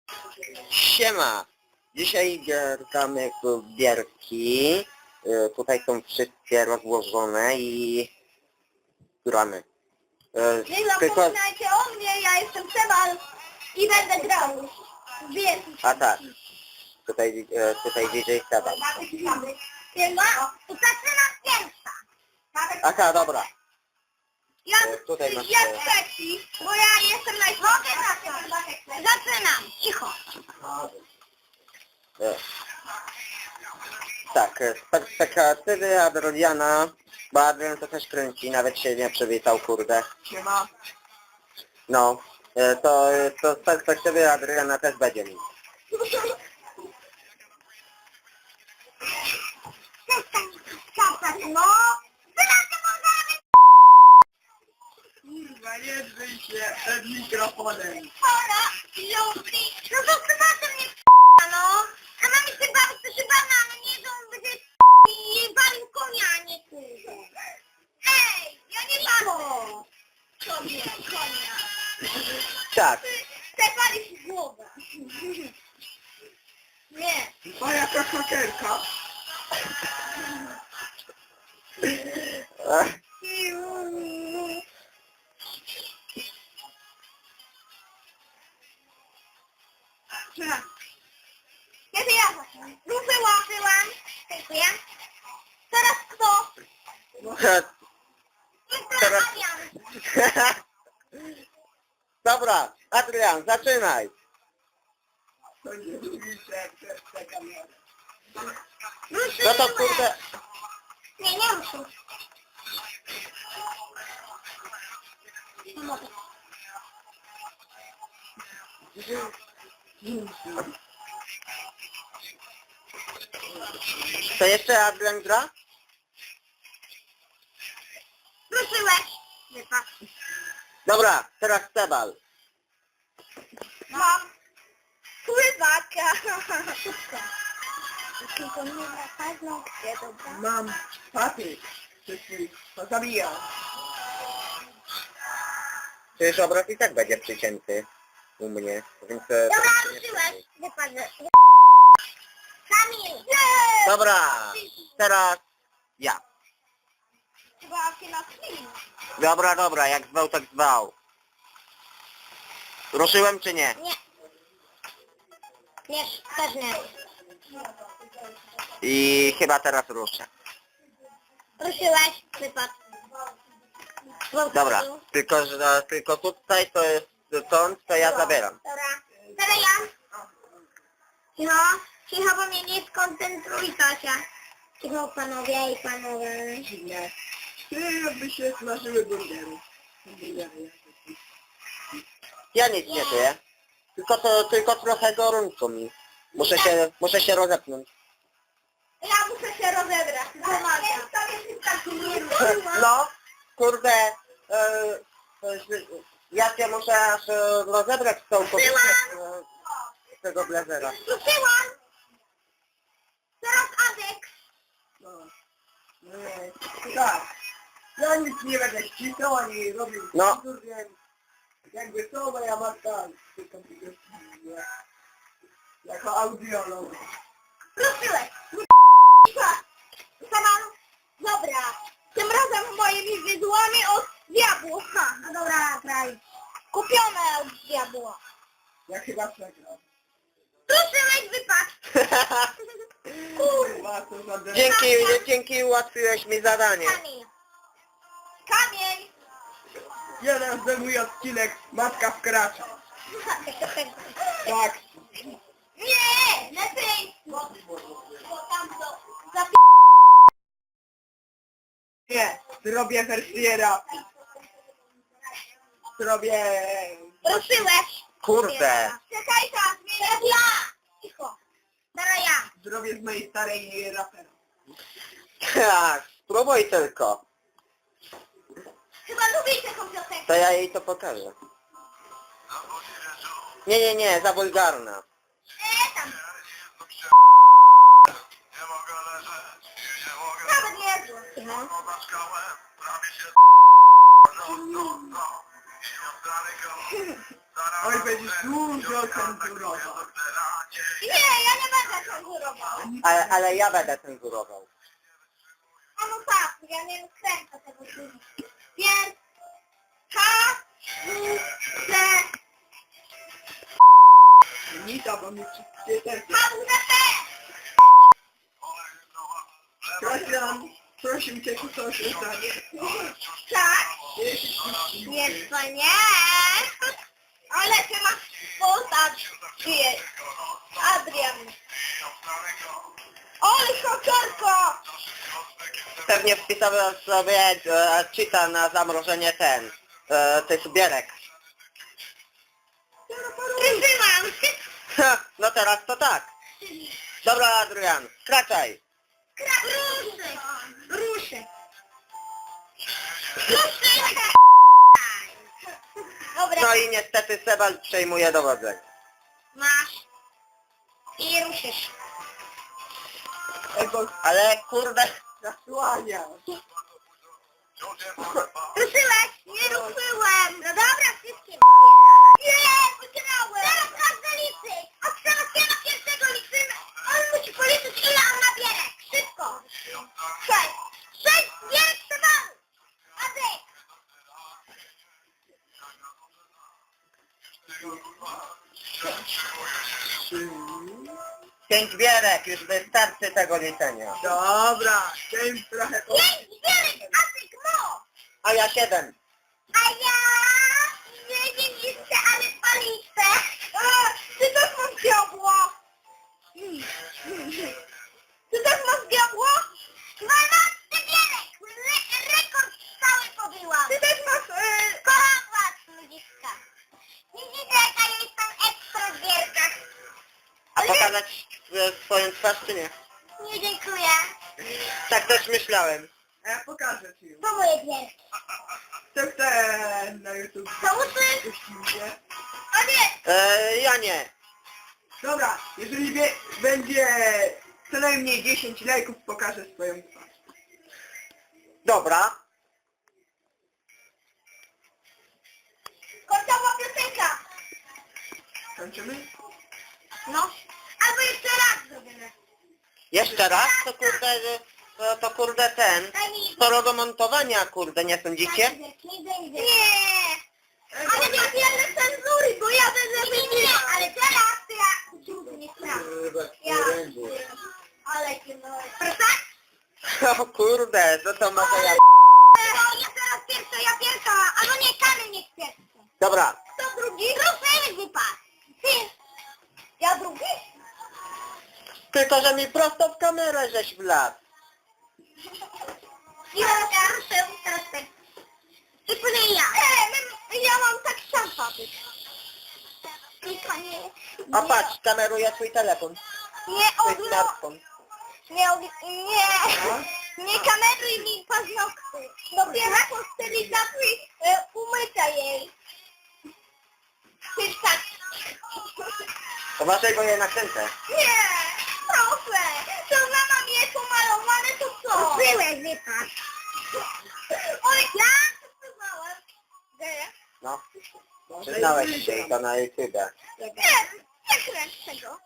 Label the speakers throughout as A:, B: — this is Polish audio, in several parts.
A: Siema! Dzisiaj gramy w gierki. Tutaj są wszystkie rozłożone i gramy.
B: Nie zapominajcie o mnie, ja jestem Sebal i będę grał. Wiesz.
A: A tak. Tutaj DJ Seba.
B: To zaczynam pierwsza.
A: Aha, dobra.
B: Ja,
A: Tutaj masz...
B: ja trzeci, bo ja jestem najsłabszy. Zaczynam. Cicho.
A: Tak, z perspektywy Adriana, bo Adrian to też kręci, nawet się nie przywitał, kurde.
C: Siema.
A: No, to z perspektywy Adriana też będzie mi.
B: No.
C: Kurwa, nie drzyj się przed mikrofonem.
B: Chora, lubi. No to chyba mnie no. A mamy się bawić, to się bawi, ale nie to on będzie i bawił konia, a nie kurde. Ej, ja nie bawię. Sobie, konia.
A: Tak.
B: Ty palisz w głowę. Nie.
C: A jaka hakerka?
B: Kiedy ja wyłączyłam. Dziękuję. Teraz kto?
A: Teraz...
B: Adrian.
A: Dobra, Adrian, zaczynaj.
C: To nie lubi się przez tę kamerę.
A: No to kurde...
B: Nie, nie muszę.
A: To jeszcze Adrian gra?
B: Ruszyłeś. Wypadł.
A: Dobra, teraz Sebal.
B: Mam pływaka. Tylko nie na paznokcie, dobra?
C: Mam patyk. To zabijam.
A: Przecież obraz i tak będzie przycięty u mnie, więc...
B: Dobra, ruszyłeś. Wypadł. Kamil.
A: Dobra, teraz ja.
B: Chyba się na film.
A: Dobra, jak zwał, tak zwał. Ruszyłem czy nie?
B: Nie. Nie, też nie.
A: I chyba teraz ruszę.
B: Ruszyłeś. Wypadł.
A: Dobra, tylko tutaj to jest stąd, to ja zabieram.
B: Dobra. Teraz ja. Cicho. Cicho, bo mnie nie skoncentruj, Tosia. Cicho, panowie i panowie.
C: Nie. Ty jakby się smażyły burgery.
A: Ja nic nie czuję. Tylko trochę gorąco mi. Muszę się rozepnąć.
B: Ja muszę się rozebrać. Pomagam.
A: No, kurde, ja się muszę aż rozebrać całkowicie z tego blazera.
B: Ruszyłam. Teraz Adek.
C: No. Nie. Tak. Ja nic nie będę ścisnął ani robił.
A: No.
C: Jakby to moja matka tylko jako audiolog.
B: Ruszyłeś. Saman. Dobra. Tym razem moimi widłami od diabła. No dobra, kraj. Kupione od diabła.
C: Ja chyba przegrał.
B: Ruszyłeś, wypadł.
C: Kurwa, co za
A: Dzięki, ułatwiłeś mi zadanie.
B: Kamień. Kamień.
C: Jeden ze mój odcinek Matka wkracza. Tak.
B: Nie, lepiej. Bo tam to
C: Nie, zrobię Hersiera. Zrobię...
B: ruszyłeś.
A: Kurde.
B: Czekaj, tak, teraz ja. Cicho. Teraz ja.
C: Zrobię z mojej starej rapera.
A: Tak, spróbuj tylko.
B: Chyba lubicie tą piosenkę.
A: To ja jej to pokażę. Nie, za wulgarna.
B: Tam. Nawet nie zło. Cicho.
C: Oj, będziesz dużo cenzurował.
B: Nie, ja nie będę cenzurował.
A: Ale ja będę cenzurował.
B: A no tak, ja nie kręcę tego filmu. Więc K, U, C,
C: Nita, bo mi wszystkie te...
B: K, U, C, P.
C: Krystian, proszę cię, tu coś zdanie.
B: Tak? Nie, to nie. Ale ty masz postać. Adrian. Oj, koczorko!
A: Pewnie wpisałem sobie cheata na zamrożenie tych bierek.
B: Wyzywam.
A: Ha, no teraz to tak. Dobra, Adrian, skraczaj.
B: Ruszy. Ruszy. Ruszy. Dobra.
A: No i niestety Sebald przejmuje dowodzenie.
B: Masz. I ruszysz.
C: Ej, bo
A: Ale kurde,
C: zasłania.
B: Ruszyłeś? Nie ruszyłem. No dobra, wszystkie wypierdala. Nie, wygrałem. Teraz każdy liczy. Od teraz pierwszego liczymy. On musi policzyć, ile on nabierze. Szybko. 6. 6 bierek towaru. Adek.
C: Trzy.
A: 5 bierek, już wystarczy tego liczenia.
C: Dobra, chciałem trochę...
B: 5 bierek, Adek, mo.
A: A ja 7.
B: A ja nie wiem jeszcze, ale paliczę. Ty też masz diabła. Ty też masz diabła? 12 bierek. Rekord cały pobyłam. Ty też masz... Kocham was, ludziska. Widzicie, jaka ja jestem ekstra w gierkach.
A: A pokazać swoją twarz czy nie?
B: Nie dziękuję.
A: Tak też myślałem.
C: A ja pokażę ci ją.
B: To moje gierki.
C: To chcę na YouTube.
B: To uszy?
C: Wyślijcie.
B: O nie.
A: Ja nie.
C: Dobra, jeżeli będzie co najmniej 10 lajków, pokażę swoją twarz.
A: Dobra.
B: Końcowa piosenka.
C: Kończymy?
B: No. Albo jeszcze raz zrobimy.
A: Jeszcze raz? To kurde ten.
B: Daj mi...
A: Sporo do montowania, kurde, nie sądzicie?
B: Nie. Ale nie wiele cenzury, bo ja będę wymieniał. Ale teraz to ja ciągle nie sprawdzę. Ja. Ale cię no. Proszę?
A: O kurde, to może ja...
B: No, ja teraz pierwsza. Albo nie, Kamil niech pierwszy.
A: Dobra.
B: Kto drugi? Ruszymy wypadł. Ty. Ja drugi?
A: Tylko, że mi prosto w kamerę żeś wlazł.
B: Ja ruszę, teraz tak. I później ja. Ja mam tak szampa być. Tylko nie.
A: A patrz, kameruje twój telefon.
B: Nie
A: Twój
B: odlo...
A: smartfon.
B: Nie, nie kameruj mi paznokty. Dopiero po stylizacji umycia jej. Ty tak.
A: Uważaj, bo je nakręcę.
B: Nie, proszę. To mama mnie pomalowane, to co? Byłeś, wypadł. Oj, ja to przyznałem. Gdzie?
A: No. Przyznałeś się i to na YouTube.
B: Nie kręć tego.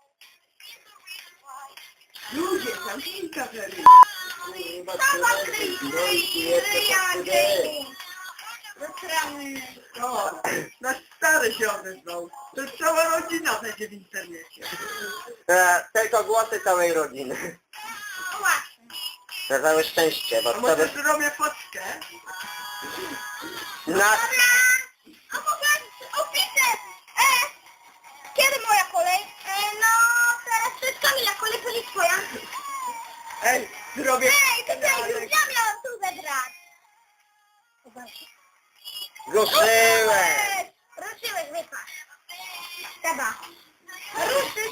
C: Ludzie, zamknij kamerę.
B: Sama ryja,
C: O, nasz stary się odezwał. To cała rodzina będzie w internecie.
A: Tylko głosy całej rodziny.
B: Właśnie.
A: Na całe szczęście, bo
C: A
A: to
C: może
A: by...
C: zrobię fotkę?
A: Na...
B: Dobra. A mogę opisać. Kiedy moja kolej? No, teraz to jest Kamila kolej, to nie twoja.
C: Ej, zrobię...
B: Ej, to już ja miałam tu zebrać.
A: Ruszyłem!
B: Ruszyłeś, wypasz. Trzeba. Ruszyć.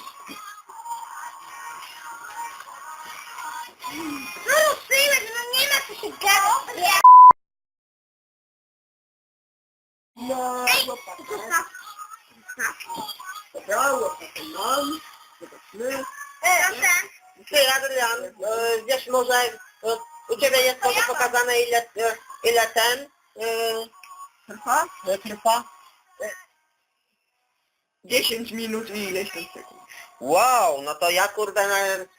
B: No ruszyłeś, no nie ma co się gadać.
C: No,
B: Ej,
C: chłopaka.
B: zostaw.
C: Dobra, łopatę mam. Zobaczmy.
B: Proszę.
A: Ty, Adrian, wiesz może, u Ciebie jest może pokazane ile ten
C: Trwa?
A: trwa?
C: 10 minut i ileś tam sekund.
A: Wow, no to ja kurde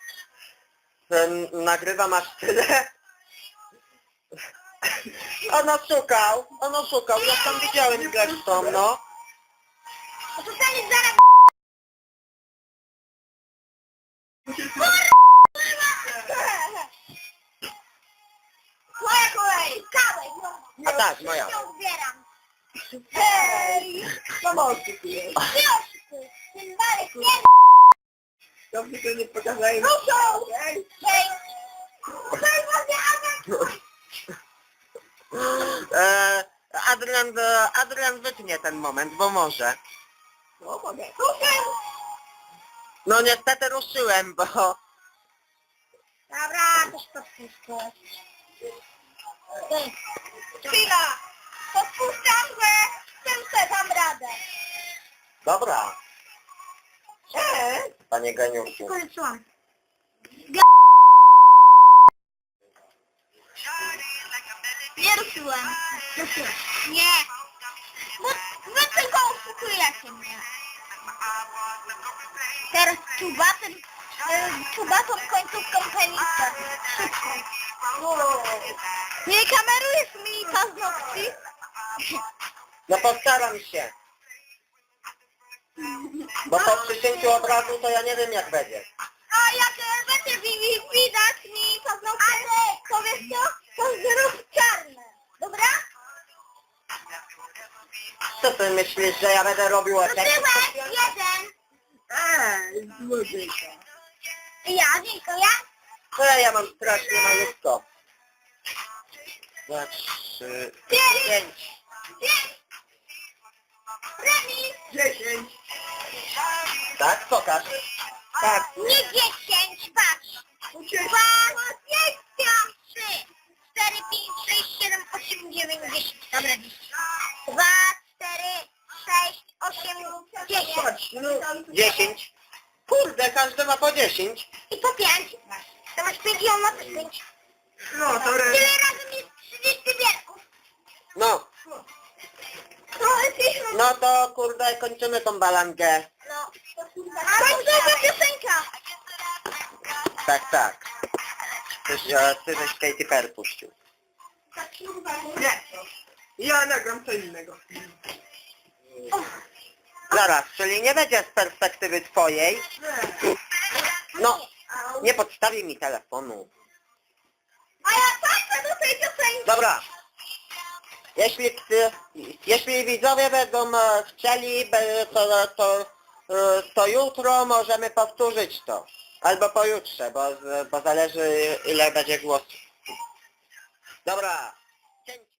A: nagrywam aż tyle. On oszukał, ja tam widziałem zresztą, no.
B: No to ten jest zaraz... Moja kolej, kawę, no.
A: A tak, moja.
B: Ja zbieram. Hej!
C: Pomocy tu jest.
B: Ty oszukuj, ten Marek nie...
C: Dobrze, że nie pokazałem.
B: Ruszą!
C: Hej!
B: Hej! Hej, może
A: Adrian wytnie ten moment, bo może.
C: No, mogę.
B: Ruszaj!
A: No niestety ruszyłem, bo...
B: Dobra, też podpuszczę. Chwila! Podpuszczam, że tylko dam radę.
A: Dobra, panie geniuszu.
B: Skończyłam. Nie ruszyłem. Ruszyłem. Nie. Bo wy tylko oszukujecie mnie. Teraz czubatą końcówką penisa. Szybko. Nie kamerujesz mi paznokci?
A: No postaram się. Bo po przycięciu obrazu to ja nie wiem jak będzie.
B: A jak będzie widać mi paznokcie, to wiesz co? To zrób czarne. Dobra?
A: Co ty myślisz, że ja będę robił efekt?
B: Ruszyłeś jeden.
C: Złodziejka.
B: Ja, dziękuję.
A: No ja mam strasznie malutko. 2, 3, 5.
B: Remis.
C: 10.
A: Tak? Pokaż.
C: Tak.
B: Nie 10, patrz. 2, 5, 3, 4, 5, 6, 7, 8, 9, 10. Dobra, 10. 2, 4, 6, 8, 10.
C: Patrz, no.
A: 10. Kurde, każdy ma po 10.
B: I po 5. To masz 5 i on ma też 5.
C: No, to
B: Tyle razem jest 30 wierków.
A: No,
B: Trochę piszą.
A: no to kurde kończymy tą balangę.
B: No. Końcowa piosenka.
A: Tak, tak. Ty żeś Katy Perry puścił.
C: Nie. Ja nagram co innego.
A: Zaraz, czyli nie będzie z perspektywy twojej. No, nie podstawi mi telefonu.
B: A ja tańczę do tej piosenki.
A: Dobra. Jeśli widzowie będą chcieli, to jutro możemy powtórzyć to. Albo pojutrze, bo zależy ile będzie głosów. Dobra.